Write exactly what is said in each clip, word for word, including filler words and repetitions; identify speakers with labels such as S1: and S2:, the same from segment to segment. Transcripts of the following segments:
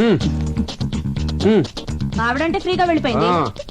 S1: ఆవిడంటే ఫ్రీగా వెళ్ళిపోయింది.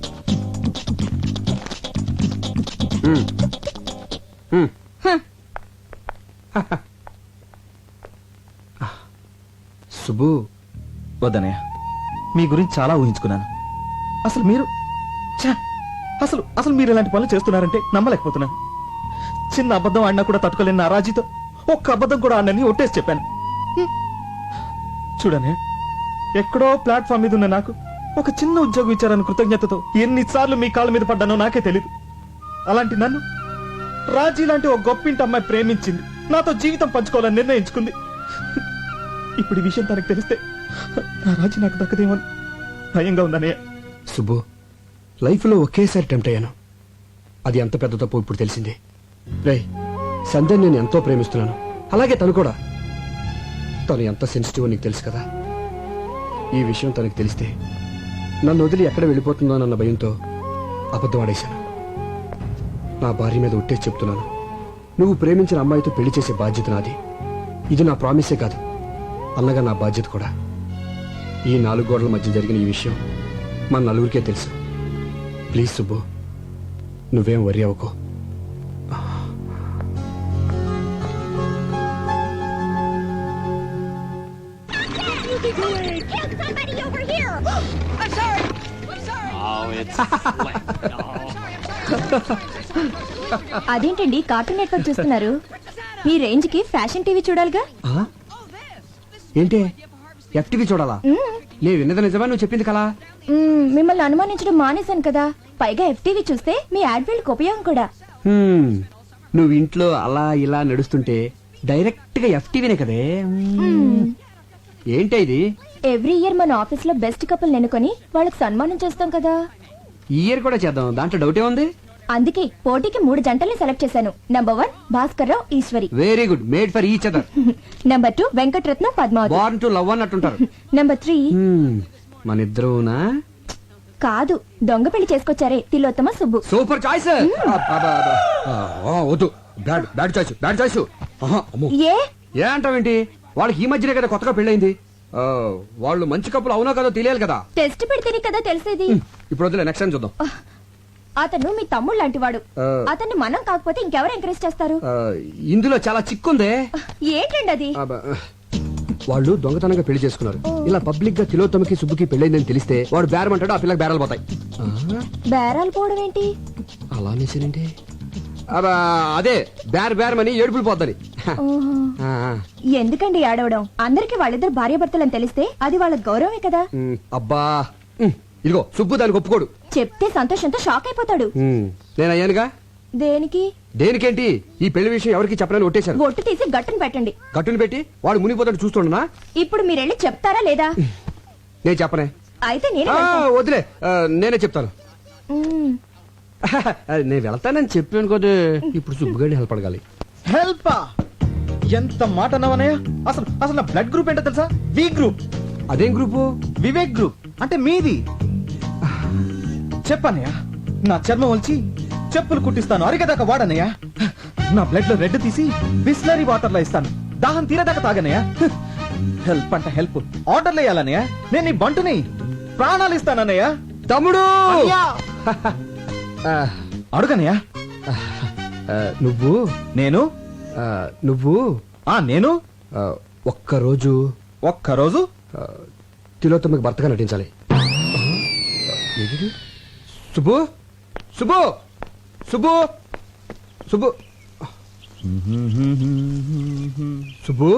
S2: సుబ్బు,
S3: వద్దనయ్య, మీ గురించి చాలా ఊహించుకున్నాను. అసలు మీరు ఛ! అసలు అసలు మీరు ఇలాంటి పనులు చేస్తున్నారంటే నమ్మలేకపోతున్నాను. చిన్న అబద్ధం ఆడినా కూడా తట్టుకోలేని నా రాజీతో ఒక్క అబద్ధం కూడా ఆడినని ఒట్టేసి చెప్పాను. హ్మ్. చూడనే, ఎక్కడో ప్లాట్ఫామ్ మీద ఉన్న నాకు ఒక చిన్న ఉద్యోగం ఇచ్చారని కృతజ్ఞతతో ఎన్నిసార్లు మీ కాళ్ళ మీద పడ్డానో నాకే తెలీదు. అలాంటి నన్ను రాజీ లాంటి ఒక గొప్పింటి అమ్మాయి ప్రేమించింది, నాతో జీవితం పంచుకోవాలని నిర్ణయించుకుంది. ఇప్పుడు ఈ విషయం తనకు తెలిస్తే నా రాజీ నాకు దక్కదేమని భయంగా ఉందనే.
S2: సుబ్బు, లైఫ్లో ఒకేసారి టెంప్ట్ అయ్యాను. అది ఎంత పెద్ద తప్పు ఇప్పుడు తెలిసింది. రేయ్, సంధ్యని నేను ఎంతో ప్రేమిస్తున్నాను, అలాగే తను కూడా. తను ఎంత సెన్సిటివ్ నీకు తెలుసు కదా. ఈ విషయం తనకు తెలిస్తే నన్ను వదిలి ఎక్కడ వెళ్ళిపోతుందో అన్న భయంతో అబద్ధం ఆడేశాను. నా భార్య మీద ఒట్టేసి చెప్తున్నాను, నువ్వు ప్రేమించిన అమ్మాయితో పెళ్లి చేసే బాధ్యత నాది. ఇది నా ప్రామిసే కాదు, అన్నగా నా బాధ్యత కూడా. ఈ నాలుగు గోడల మధ్య జరిగిన ఈ విషయం మన నలుగురికే తెలుసు. ప్లీజ్ సుబ్బు, నువ్వేం వరి అవ్వకు.
S1: అదేంటండి కార్టూన్ నెట్వర్క్ చూస్తున్నారు? మీ రేంజ్ కి ఫ్యాషన్ టీవీ చూడాలిగా.
S2: ఏంటి ఎఫ్టీవీ చూడాలా? లే, విన్నది నిజమా నువ్వు చెప్పింది కలా?
S1: మిమ్మల్ని అనుమానించడం మానేశాను కదా, పైగా ఎఫ్టీవీ చూస్తే మీ యాడ్ ఫీల్డ్ ఉపయోగం కూడా.
S2: నువ్వు ఇంట్లో అలా ఇలా నడుస్తుంటే డైరెక్ట్ గా ఎఫ్టీవీనే కదే. ఏంటి ఇది?
S1: ఎవ్రీ ఇయర్ మన ఆఫీస్ లో బెస్ట్ కపుల్ ఎన్నుకొని వాళ్ళకి సన్మానం చేస్తాం కదా.
S2: ఈ ఇయర్ కూడా చేద్దాం, దాంట్లో డౌటే ఉంది.
S1: అందుకే పోటీకి మూడు జంటల్ని సెలెక్ట్ చేశాను. Number one Bhaskar Rao, Eshwari.
S2: Very good, made for each other.
S1: Number two Venkataratnam, Padmavathi.
S2: Born to love అన్నట్టుంటారు.
S1: నంబర్ త్రీ
S2: మన ఇద్దరునా?
S1: కాదు, దొంగ పెళ్లి చేసుకొచ్చారే, తిలోత్తమ, సుబ్బు.
S2: Super choice. వద్దు, bad bad choice, bad choice.
S1: ఏ
S2: ఏ అంటావేంటి? వాళ్ళకి ఈ మధ్యనే కదా కొత్తగా పెళ్ళైంది. వాళ్ళు మంచి కప్పులు అవునో కదా తెలియాలి కదా.
S1: టెస్ట్ పెడితేనే కదా తెలిసేది.
S2: ఇప్పుడు వద్దులే, నెక్స్ట్ టైం చూద్దాం.
S1: అతను మీ తమ్ముడు లాంటి వాడు. అతన్ని మనం కాకపోతే ఇంకెవరు ఎంకరేజ్ చేస్తారు?
S2: ఇందులో చాలా చిక్కుందే.
S1: ఏంటండి అది?
S2: వాళ్ళు దొంగతనంగా పెళ్లి చేసుకున్నారు. ఇలా పబ్లిక్ గా తిలోత్తమకి సుబ్బుకి పెళ్ళైందని తెలిస్తే వాడు బేరం అంటాడు, ఆ పిల్లకి బేరాలు పోతాయి.
S1: బేరాలు పోవడం ఏంటి?
S2: అలా అనేసానంటే అదే బేర బేరమని ఏడుపులు పోద్దని.
S1: ఎందుకండి ఏడవడం? అందరికి వాళ్ళిద్దరు భార్యాభర్తలని తెలిస్తే అది వాళ్ళ గౌరవమే కదా.
S2: అబ్బా, ఇదిగో సుబ్బు దానికి ఒప్పుకోడు.
S1: చెప్తే సంతోషంతో షాక్ అయిపోతాడు.
S2: నేను అయ్యానుగా.
S1: దేనికి?
S2: దేనికేంటి? ఈ పెళ్లి విషయం ఎవరికి చెప్పనని ఒట్టేశాను.
S1: ఒట్టు తీసి గట్టును పెట్టండి.
S2: గట్టును పెట్టి వాడు మునిగిపోతాడు చూస్తుండనా?
S1: ఇప్పుడు మీరెళ్ళి చెప్తారా లేదా?
S2: నేను చెప్పనే.
S1: అయితే నేను
S2: వదిలే, నేనే చెప్తాను. నేను వెళ్తానని చెప్పాను కదా. ఇప్పుడు సుబ్బుగాడిని హెల్ప్ అడగాలి.
S3: హెల్ప్? ఎంత మాట అన్నావనయ్య? అసలు అసలు నా బ్లడ్ గ్రూప్ ఏంటో తెలుసా? V group.
S2: అదేం గ్రూపు?
S3: వివేక్ గ్రూప్. అంటే మీది. చెప్పనయ్య, నా చర్మం వచ్చి చెప్పులు కుట్టిస్తాను, అరిగేదాకా వాడనయ్య. నా బ్లడ్ లో రెడ్ తీసి బిస్లరీ వాటర్ లో ఇస్తాను, దాహం తీరేదాకా తాగనయ్య. హెల్ప్ అంటే హెల్ప్, ఆర్డర్లు వేయాలనయ్య. నేను నీ బంటుని, ప్రాణాలు ఇస్తానన్నయ్య.
S2: తమ్ముడు
S3: అడుగనయ్య.
S2: నువ్వు
S3: నేను
S2: నువ్వు
S3: ఆ నేను
S2: ఒక్కరోజు
S3: ఒక్కరోజు
S2: తిలోత్తమకి భర్తగా నటించాలి. సుబ్బు సుబ్బు సుబ్బు సుబ్బు సుబ్బు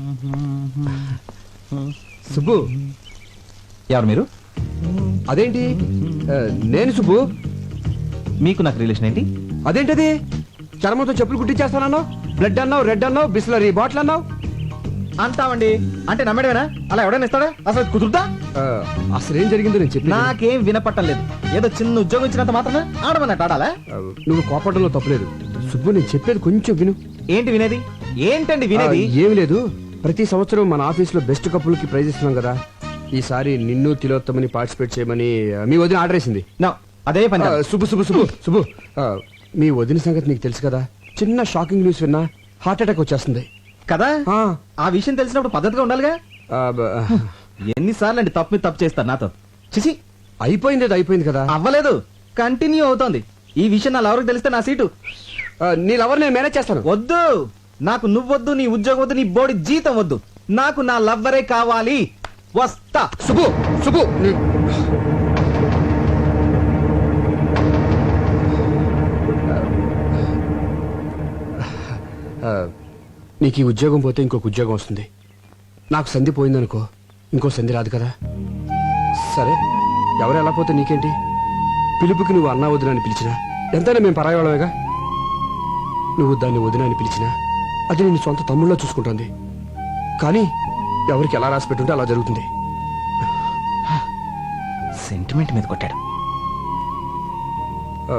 S2: సుబ్బు
S3: ఎవరు మీరు?
S2: అదేంటి, నేను సుబ్బు.
S3: మీకు నాకు రిలేషన్ ఏంటి?
S2: అదేంటది? చర్మంతో చెప్పులు కుట్టించేస్తానన్నావు, బ్లడ్ అన్నావు, రెడ్ అన్నావు, బిస్లరీ బాటిల్ అన్నావు.
S3: అంటావండి అంటే నమ్మడమేనా? అలా ఎవడైనా ఇస్తాడా? అసలు కుదురుతా?
S2: అసలు ఏం జరిగిందో నేను చెప్పి.
S3: నాకేం వినపట్టం లేదు. ఏదో చిన్న ఉద్యోగం ఇచ్చినంత మాత్రమే ఆడమన్నట్టు ఆడాలా?
S2: నువ్వు కోపడంలో తప్పలేదు సుబ్బు, నేను చెప్పేది కొంచెం విను.
S3: ఏంటి వినేది? ఏంటండి వినేది?
S2: ఏమి లేదు, ప్రతి సంవత్సరం మన ఆఫీస్ లో బెస్ట్ కపుల్ కి ప్రైజ్ ఇస్తున్నాం కదా. ఈసారి నిన్ను తిలోత్తమని పార్టిసిపేట్ చేయమని మీ వదిన ఆర్డర్ వేసింది.
S3: అదే పని.
S2: సుబ్బు సుబ్బు సుబ్బు సుబ్బు మీ వదిన సంగతి నీకు తెలుసు కదా. చిన్న షాకింగ్ న్యూస్ విన్నా హార్ట్ అటాక్ వచ్చేస్తుంది
S3: కదా. ఆ విషయం తెలిసినప్పుడు పద్ధతిగా ఉండాలిగా. ఎన్నిసార్లు అండి తప్పు మీద తప్పు చేస్తారు నాతో చిచి
S2: అయిపోయింది అది అయిపోయింది కదా
S3: అవ్వలేదు కంటిన్యూ అవుతోంది ఈ విషయం నా ఎవరికి తెలిస్తే నా సీటు
S2: ఆ, నీ లవర్ నేను మేనేజ్ చేస్తాను.
S3: వద్దు నాకు నువ్వొద్దు నీ ఉద్యోగం వద్దు నీ బోడి జీతం వద్దు నాకు నా లవ్వరే కావాలి వస్తా
S2: సుబ్బు సుబ్బు నీ- ఆ, నీకు ఈ ఉద్యోగం పోతే ఇంకొక ఉద్యోగం వస్తుంది. నాకు సంధి పోయిందనుకో ఇంకో సంధి రాదు కదా. సరే ఎవరు ఎలా పోతే నీకేంటి? పిలుపుకి నువ్వు అన్నా వదిన అని పిలిచినా ఎంతైనా మేము పరాయవాళ్ళమేగా. నువ్వు దాన్ని వదిన అని పిలిచినా అది నేను సొంత తమ్ముళ్ళలో చూసుకుంటుంది. కానీ ఎవరికి ఎలా రాసి పెట్టుంటే అలా జరుగుతుంది.
S3: సెంటిమెంట్ మీద కొట్టాడు
S2: ఆ,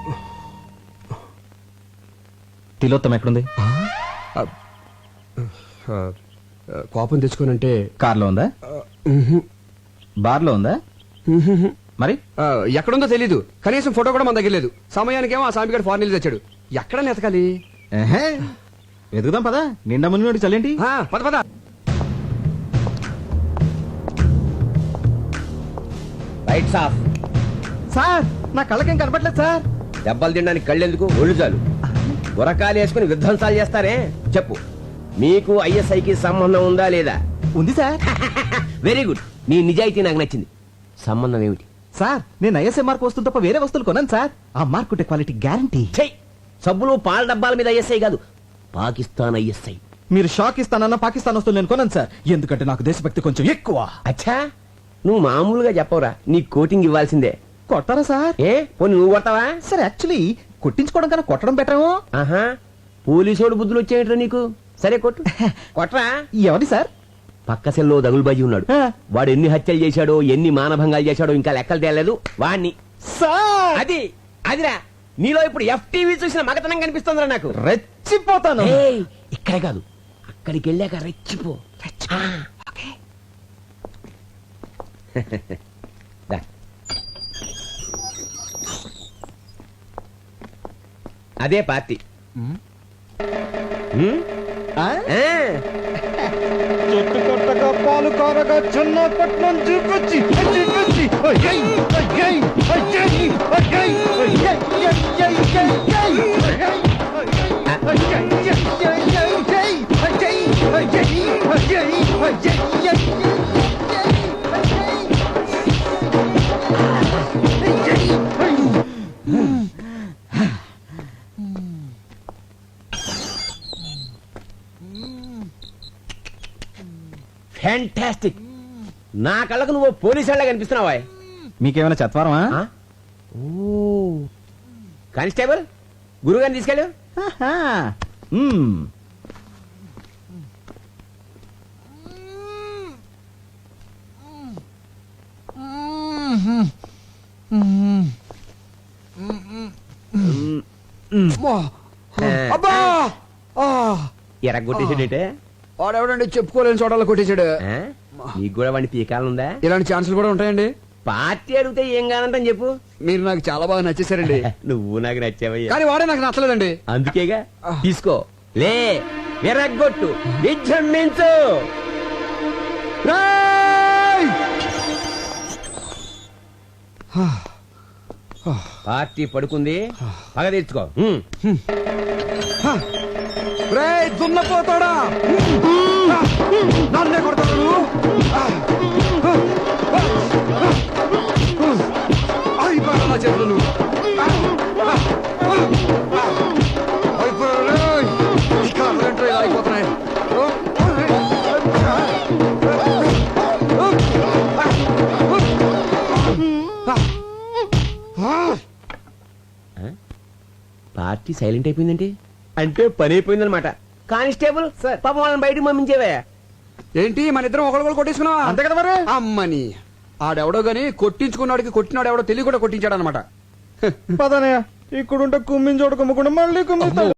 S3: తిలోత్తం ఎక్కడుంది
S2: ఆ, ఆ, కోపం తెచ్చుకోనంటే
S3: కార్లో ఉందా
S2: ఉహు,
S3: బార్లో ఉందా
S2: ఉహుహు.
S3: మరి
S2: ఆ, ఎక్కడుందో తెలీదు. కనీసం ఫోటో కూడా మన దగ్గర లేదు. సమయానికేమో ఆ సామిగాడు ఫారెన్ వెళ్ళి తెచ్చాడు. ఎక్కడ నెతకాలి?
S3: ఎహే, వెతుకుదాం పదా నిండా మునిగి చల్లేంటి
S2: ఆ, పద పద.
S4: Rights of.
S3: సార్ నా కళ్ళకేం కనపట్లేదు సార్
S4: దెబ్బలు తినడానికి కళ్ళెందుకు, ఒళ్ళు చాలు. గురకాలు వేసుకుని విధ్వంసాలు చేస్తారే. చెప్పు, మీకు ఐఎస్ఐకి సంబంధం ఉందా లేదా?
S3: ఉంది సార్
S4: వెరీ గుడ్. నీ నిజాయితీ నాకు నచ్చింది. సంబంధం ఏమిటి?
S3: సార్ నేను ఐఎస్ఐ మార్క్ వస్తువు తప్ప వేరే వస్తువులు కొన్నాను సార్ ఆ మార్క్ ఉంటే క్వాలిటీ గ్యారంటీ
S4: చెయ్. సబ్బులు పాల డబ్బాల మీద ఐఎస్ఐ కాదు, పాకిస్తాన్ ఐఎస్ఐ.
S3: మీరు షాక్ ఇస్తానన్నా పాకిస్తాన్ వస్తువులు నేను కొన్నాను సార్ ఎందుకంటే నాకు దేశభక్తి కొంచెం ఎక్కువ
S4: అచ్చా, నువ్వు మామూలుగా చెప్పవరా, నీ కోటింగ్ ఇవ్వాల్సిందే.
S3: కొట్టారా సార్
S4: ఏ పోనీ నువ్వు కొడతావా?
S3: సార్ యాక్చువల్లీ కొట్టించుకోవడం కన్నా కొట్టడం బెటరేమో
S4: ఆహా, పోలీసోడు బుద్ధులు వచ్చేయట్రా నీకు. సరే కొట్టు, కొట్రా.
S3: ఎవరి సార్
S4: పక్క సెల్లో దగులుబాజీ ఉన్నాడు.
S3: ఆ.
S4: వాడు ఎన్ని హత్యలు చేశాడో ఎన్ని మానభంగాలు చేశాడో ఇంకా లెక్కలు తేలేదు. వాణ్ణి
S3: సార్
S4: అది అదిరా, నీలో ఇప్పుడు ఎఫ్టీవీ చూసిన మగతనం కనిపిస్తుందిరా నాకు.
S3: రెచ్చిపోతాను
S4: ఏయ్, ఇక్కడే కాదు అక్కడికి వెళ్ళాక రెచ్చిపో. ఆ, ఓకే. దా. అదే పార్టీ. ఉమ్?
S3: ఆ?
S4: ఆ.
S3: చెట్టు కొట్టగా పాలు కారగా చిన్నపట్నం చూపించి చూపించి అయ్యయ్, అయ్యయ్, అయ్యయ్, అయ్యయ్, అయ్యయ్, అయ్యయ్, అయ్యయ్, అయ్యయ్, అయ్యయ్, అయ్యయ్, అయ్యయ్, అయ్యయ్, అయ్యయ్,
S4: ఫ్యాంటాస్టిక్. నా కళ్ళకు నువ్వు పోలీసు వాళ్ళ కనిపిస్తున్నావా?
S3: మీకేమైనా చత్వారమా
S4: ఆ? ఓ కానిస్టేబుల్, గురుగారిని తీసుకెళ్ళు.
S3: ఆహా. మ్మ్.
S2: అమ్మా! అబ్బా! ఆ!
S4: ఎరగొట్టేసాడేటే.
S2: వాడెవడండి చెప్పుకోలేని చోటలో కొట్టేశాడు.
S4: ఆ? నీకు కూడా వాడిని పీకాలనుందా?
S2: ఇలాంటి ఛాన్సులు కూడా ఉంటాయండి.
S4: పార్టీ అడిగితే ఏం కానంటని చెప్పు.
S2: మీరు నాకు చాలా బాగా నచ్చేసారండి.
S4: నువ్వు నాకు నచ్చావయ్యా.
S2: కానీ వాడే నాకు నచ్చలేదండి.
S4: అందుకేగా తీసుకో, లే, ఎరగొట్టు, విజృంభించు.
S2: రేయ్!
S4: పార్టీ పడుకుంది, పగ తీర్చుకో. హ్మ్.
S2: రేయ్, దున్నపోతాడా? నన్నే కొడతాడు నువ్వు? అయిపోయాడు నా చేతులు నువ్వు. అయిపోయాడు రేయ్. ఈ కాళ్ళంటే ఇలా అయిపోతున్నాయి.
S4: పార్టీ సైలెంట్ అయిపోయిందంటే అంటే పని అయిపోయిందనమాట. కానిస్టేబుల్ పాపం వాళ్ళని బయటకు పంపించేవే.
S2: ఏంటి మన ఇద్దరం ఒకళ్ళు కొట్టేసుకున్నావా?
S3: అంతే కదా మరి
S2: అమ్మని ఆడెవడో గాని కొట్టించుకున్నాడికి కొట్టినాడు ఎవడో తెలియ కూడా కొట్టించాడు అనమాట.
S3: పదనయ్య ఇక్కడుంటే కుమ్మించోడు కుమ్మకుండా మళ్ళీ కుమ్మిస్తాడు